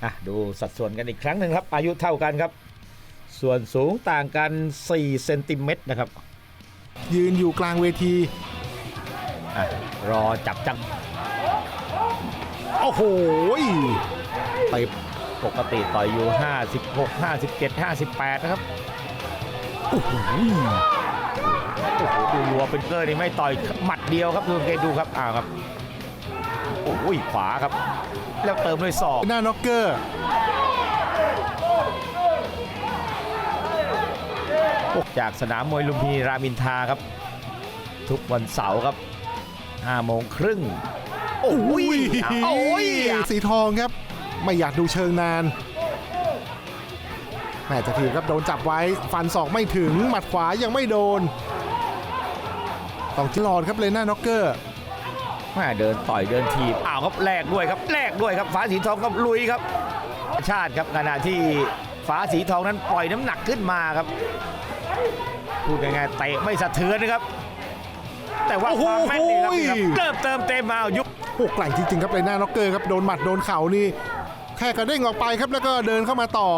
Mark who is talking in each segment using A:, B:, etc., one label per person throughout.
A: ดูสัดส่วนกันอีกครั้งหนึ่งครับอายุเท่ากันครับส่วนสูงต่างกัน4 เซนติเมตรนะครับ
B: ยืนอยู่กลางเวที
A: รอจับจัง
B: โอ้โห
A: ไปปกติต่อยอยู่56 57 58นะครับโอ้โหดูรัวเป็นเกอร์นี่ไม่ต่อยหมัดเดียวครับดูเกดูครับครับโอ้ยขวาครับแล้วเติมด้วยศอก
B: หน้าน็อกเกอร์
A: จากสนามมวยลุมพินีรามอินทราครับทุกวันเสาร์ครับ5 โมงครึ่ง
B: โอ้ยสีทองครับไม่อยากดูเชิงนานแม่จะทีครับโดนจับไว้ฟันศอกไม่ถึงหมัดขวายังไม่โดนต้องจิรอดครับเลยหน้าน็อกเกอร์
A: เดินต่อยเดินทีบครับแลกด้วยครับฟ้าสีทองกับลุยครับชาติครับขณะที่ฟ้าสีทองนั้นปล่อยน้ำหนักขึ้นมาครับพูดง่ายๆเตะไม่สะเทือนนะครับแต่ว่าความแม่นนี่ครับเริ่มเติมเต็มมายุบ
B: ไกลจริงๆครับเลยหน้าน็อกเกอร์ครับโดนหมัดโดนเข่านี่แค่กระเด้งออกไปครับแล้วก็เดินเข้ามาต่อ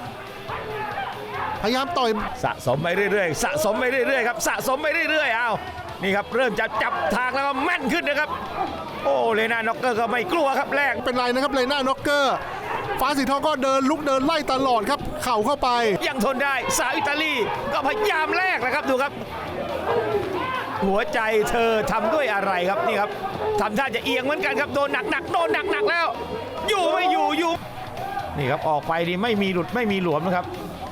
B: พยายามต่อย
A: สะสมไปเรื่อยๆครับสะสมไปเรื่อยๆนี่ครับเริ่มจะจับทางแล้วก็แม่นขึ้นนะครับโอ้เลน่าน็อกเกอร์ก็ไม่กลัวครับแรก
B: เป็นไรนะครับเลน่าน็อกเกอร์ฟ้าสีทองก็เดินลุกเดินไล่ตลอดครับเข่าเข้าไป
A: ยังทนได้สาวอิตาลีก็พยายามแรกนะครับดูครับหัวใจเธอทำด้วยอะไรครับนี่ครับทำท่าจะเอียงเหมือนกันครับโดนหนักแล้วอยู่ไม่อยู่นี่ครับออกไปนี่ไม่มีหลุดไม่มีหลวมนะครับ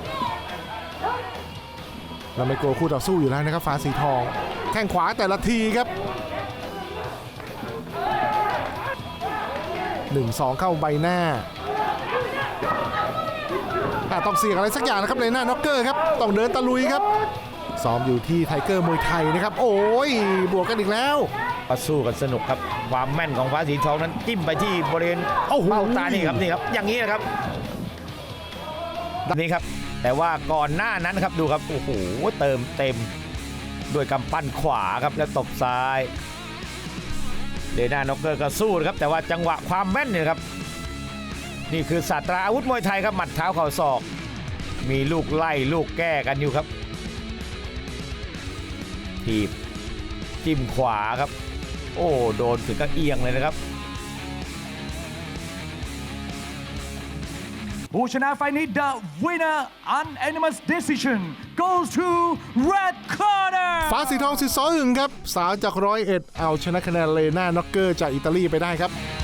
B: เราไม่กลัวคู่ต่อสู้อยู่แล้วนะครับฟ้าสีทองแข้งขวาแต่ละทีครับ 1-2 เข้าใบหน้าต้องเสี่ยงอะไรสักอย่างนะครับเลยหน้าน็อกเกอร์ครับต้องเดินตะลุยครับซ้อมอยู่ที่ไทเกอร์มวยไทยนะครับโอ้ยบวกกันอีกแล้ว
A: สู้กันสนุกครับความแม่นของฟ้าสีทองนั้นจิ้มไปที่บริเวณเบ้าตานี่ครับอย่างนี้นะครับนี่ครับแต่ว่าก่อนหน้านั้นครับดูครับโอ้โหเติมเต็มด้วยกำปั้นขวาครับแล้วตบซ้ายเลน่าน็อกเกอร์ก็สู้นะครับแต่ว่าจังหวะความแม่นเนี่ยครับนี่คือศาสตราอาวุธมวยไทยครับหมัดเท้าเข่าศอกมีลูกไล่ลูกแก้กันอยู่ครับทีบจิ้มขวาครับโอ้โดนถึงกับเอียงเลยนะครับ
C: ผู้ชนะไฟนี้ The winner unanimous decision goes to red corner
B: ฟ้าสีทองสิทธิ์ซ้อหึงครับสาวจาก101เอาชนะคะแนนเลน่าน็อกเกอร์จากอิตาลีไปได้ครับ